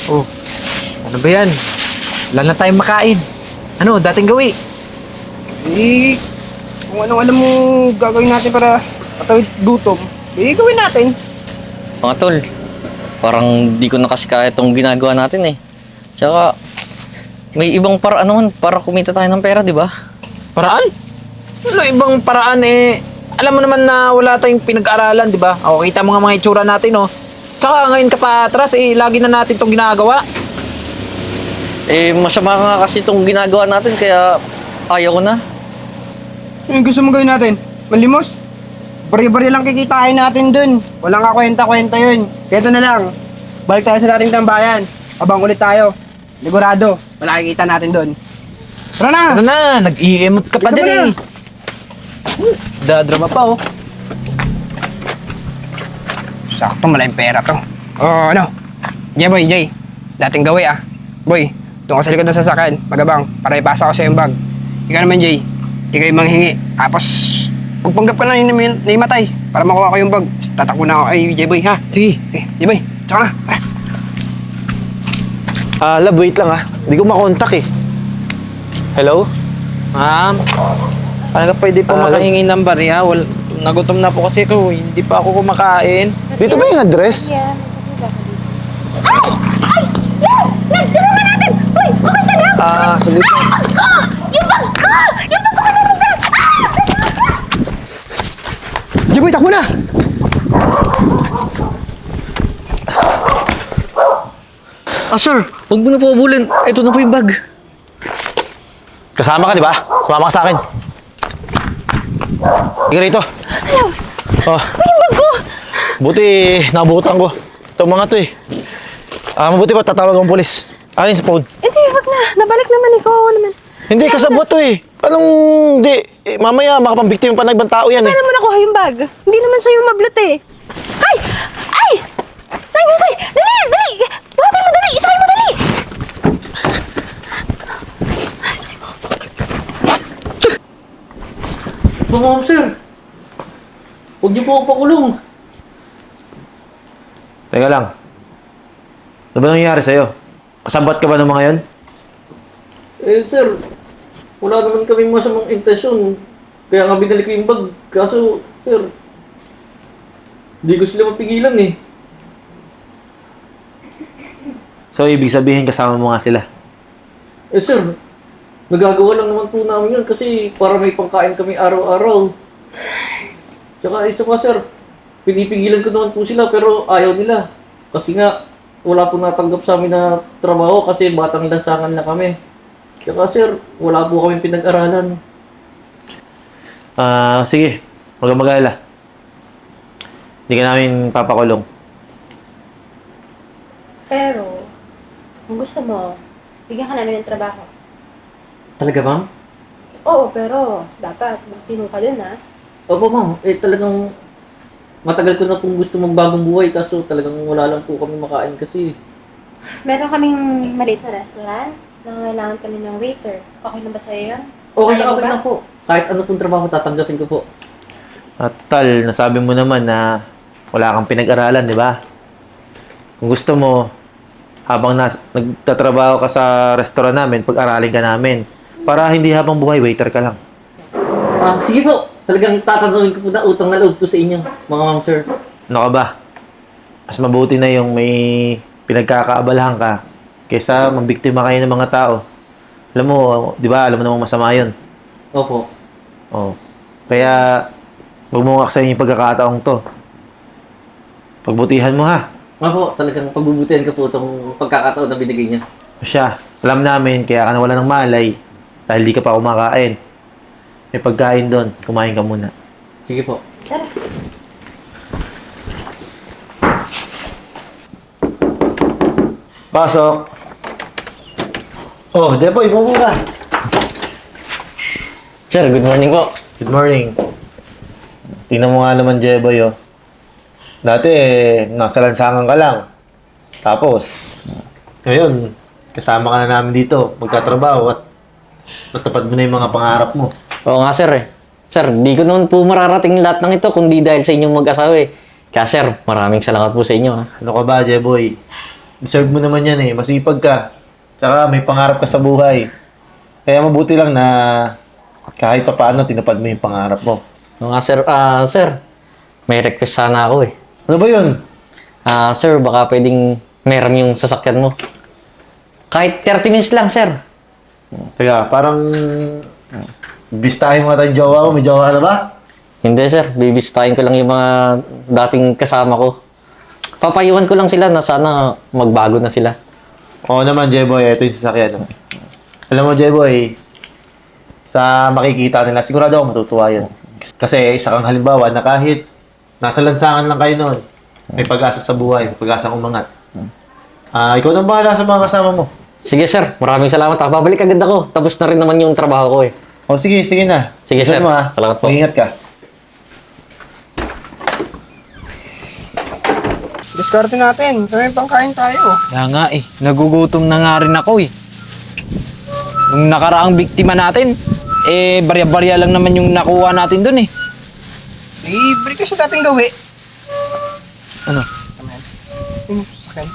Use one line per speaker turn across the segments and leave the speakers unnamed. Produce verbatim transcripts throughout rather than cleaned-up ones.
Oh, ano ba yan? Wala na tayong makain. Ano, dating gawi.
Eh, kung anong alam mo gagawin natin para patawid gutom, eh, gawin natin.
Mga tol, parang di ko na kasi kaya itong ginagawa natin eh. Tsaka, may ibang paraan naman para kumita tayo ng pera, di ba?
Paraan? Ano ibang paraan eh? Alam mo naman na wala tayong pinag-aralan, di ba? O, kita mo nga mga itsura natin, oh. Tsaka ngayon ka pa atras, eh, lagi na natin itong ginagawa.
Eh, masama nga kasi itong ginagawa natin, kaya ayaw ko na.
Yung gusto mo gawin natin? Malimos? Bari-bari lang kikitain natin dun. Walang kakwenta-kwenta yun. Kaya ito na lang. Balik tayo sa dating tambayan. Abang ulit tayo. Ligurado. Wala kikita natin dun. Tara na!
Ano na, nag-i-emot ka pa
Bilisan
din
mo
eh. Dadrama pa, oh.
Sakto, malaking pera to. Oh, ano? Jay, boy, Jay. Dating gawi ah. Boy, doon ka sa likod ng sasakyan. Magabang, para ipasa ko sa yung bag. Ikaw naman, Jay. Ikaw yung manghingi. Tapos, pagpanggap ka na yung naimatay. Para makuha ko yung bag. Tatakbo na ako. Ay, Jay, boy, ha?
Sige.
Sige, Jay, boy. Tsaka na. Tara.
Ah, love, wait lang ah. Hindi ko makontak eh. Hello?
Ma'am, paano ka pwede po
Ah,
makahingi ng bariya? Wal, nagutom na po kasi ako. Hindi pa ako kumakain.
Dito ba yung address?
Ay! Ay! Yan! Nagtulungan natin! Uy! Okay ka na?
Ah, sandali po.
Bag ko! Yung bag ko! Yung bag ko ka naman dyan! Ah!
Jay, boy, takbo na!
Ah, sir, huwag mo na po abulin. Ito na po yung bag.
Kasama ka, di ba? Sumama ka sa akin. Tingnan rito.
Salaw!
Oh,
Uy, yung bag ko!
buti nabutan ko. Itong mga to eh. Ah, mabuti pa tatawag ang pulis. Alin sa phone?
Hindi, wag na. Nabalik naman ikaw. Oo naman.
Hindi, kasabot to eh. Anong, hindi. Eh, mamaya makapambiktima pa ng ibang tao yan eh.
Paano mo nakuha yung bag? Hindi naman sa'yo mablot eh. Ay! Ay! Tay, tay! Dali! Dali! Watay mo, dali! Isakay mo, dali! Ay, sakay ko.
Ma'am, sir. Huwag niyo po ako pakulong.
Teka lang. Ano ba nangyayari sa'yo? Kasabot ka ba ng mga yon?
Eh, sir, wala naman kaming masamang intensyon. Kaya nga binalik ko yung bag. Kaso, sir, hindi ko sila mapigilan eh.
So, ibig sabihin kasama mo nga sila.
Eh, sir, nagagawa lang naman po namin yun kasi para may pangkain kami araw-araw. Tsaka isa pa, sir, pinipigilan ko naman po sila pero ayaw nila. Kasi nga, wala po natanggap sa amin na trabaho kasi batang lansangan na kami. Tsaka, sir, wala po kami pinag-aralan.
Ah, sige. Huwag kang mag-alala. Hindi ka namin papakulong.
Pero, kung gusto mo, bigyan ka namin ng trabaho.
Talaga, ma'am?
Oo, pero dapat magtino ka dun, ha?
Opo, ma'am. Eh, talagang matagal ko na pong gusto magbagong buhay kaso talagang wala lang po kami makain kasi.
Meron kaming maliit na restaurant. Nangangailangan kami ng waiter. Okay na ba sa'yo yun?
Okay
Kaya
na,
mo
okay
ba?
na po. Kahit ano pong trabaho, tatanggapin ko po.
At tal, nasabi mo naman na wala kang pinag-aralan, di ba? Kung gusto mo, habang nas nagtatrabaho ka sa restaurant namin, pag-aralin ka namin. Para hindi habang buhay, waiter ka lang.
Ah, sige po. Talagang tatanungin ko po na utang na loob to sa inyo, mga ma'am, sir.
Ano ka ba? Mas mabuti na yung may pinagkakaabalahan ka kaysa mambiktima kayo ng mga tao. Alam mo, di ba? Alam mo namang masama yun.
Opo.
Oh. Kaya, huwag mo aksayin yung pagkakataong to. Pagbutihan mo ha.
Opo, talagang pagbubutihan ko po itong pagkakataon na binigay niya.
Siya, alam namin, kaya ka nawala ng malay dahil di ka pa kumakain. May pagkain doon, kumain ka muna.
Sige po.
Tara.
Pasok! Oh, Jepoy, bumo ka!
Sir, good morning po.
Good morning. Tingnan mo nga naman, Jeboy, oh. Dati, eh, nasa lansangan ka lang. Tapos, ngayon, kasama ka na namin dito, magtatrabaho at matupad mo na yung mga pangarap mo.
Oo nga, sir eh. Sir, di ko naman po mararating lahat ng ito kundi dahil sa inyong mag-asawa eh. Kaya sir, maraming salamat po sa inyo ha.
Ano ka ba, Jeboy? Deserve mo naman yan eh. Masipag ka. Tsaka may pangarap ka sa buhay. Kaya mabuti lang na kahit pa paano tinupad mo yung pangarap mo.
Oo nga, sir. Ah, sir, may request sana ako eh.
Ano ba yun?
Ah, sir, baka pwedeng meron yung sasakyan mo. Kahit thirty minutes lang, sir.
Teka, parang bistahin mo nga tayong jowa mo. May jowa ka na ba?
Hindi, sir. Bibisitahin ko lang yung mga dating kasama ko. Papayuhan ko lang sila na sana magbago na sila.
Oo naman, Jeboy. Ito yung sasakyan. Alam mo, Jeboy, sa makikita nila, sigurado ako matutuwa yan. Kasi isa kang halimbawa na kahit nasa lansangan lang kayo noon, may pag-asa sa buhay, may pag-asa umangat. Ah, ikaw nang bahala sa mga kasama mo.
Sige, sir. Maraming salamat. Ah, babalik agad ako. Tapos na rin naman yung trabaho ko eh.
O sige, sige na.
Sige,
Ingat
sir.
mo, ha?
Salamat po.
Mag-ingat ka.
Diskarte natin. Kami pangkain tayo.
Kaya nga eh, nagugutom na nga rin ako eh. Nung nakaraang biktima natin, eh barya-barya lang naman yung nakuha natin dun eh.
Libre ka sa dating gawi.
Ano?
Yung sasakyan.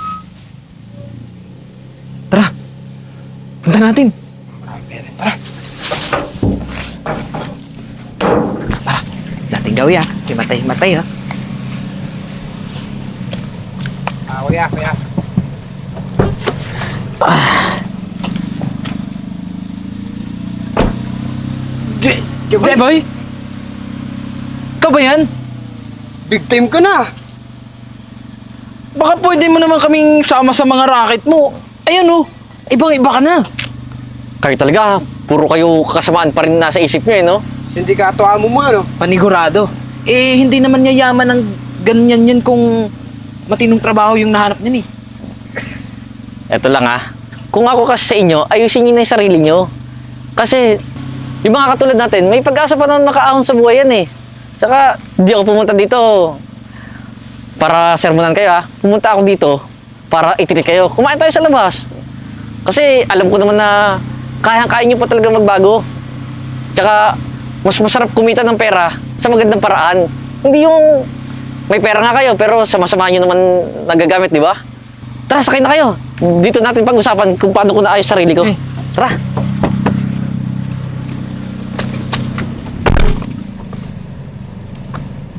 Tara! Punta natin! Tara! Dating gawi ah. Himatay-himatay ah.
Ah, kuya, kuya.
J- Jeboy! Ikaw ba yan?
Big time ka na.
Baka pwede mo naman kaming sama sa mga racket mo. Ayan oh, ibang-iba ka na.
Kayo talaga, puro kayo kasamaan pa rin nasa isip nyo eh, no?
Sindikato amo mo, ano?
Panigurado. Eh, hindi naman niya yaman ng ganyan yan kung matinong trabaho yung nahanap niya eh.
Eto lang ah. Kung ako kasi sa inyo, ayusin nyo na yung sarili nyo. Kasi, yung mga katulad natin, may pag-asa pa naman makaahon sa buhay yan eh. Tsaka, di ako pumunta dito para sermonan kayo ah. Pumunta ako dito para itinig kayo. Kumain tayo sa labas. Kasi, alam ko naman na kayang-kaya nyo pa talaga magbago. Tsaka, mas masarap kumita ng pera sa magandang paraan. Hindi yung may pera nga kayo, pero sama-sama nyo naman nagagamit, di ba? Tara, sakay na kayo. Dito natin pag-usapan kung paano ko naayos sarili ko.
Eh.
Tara.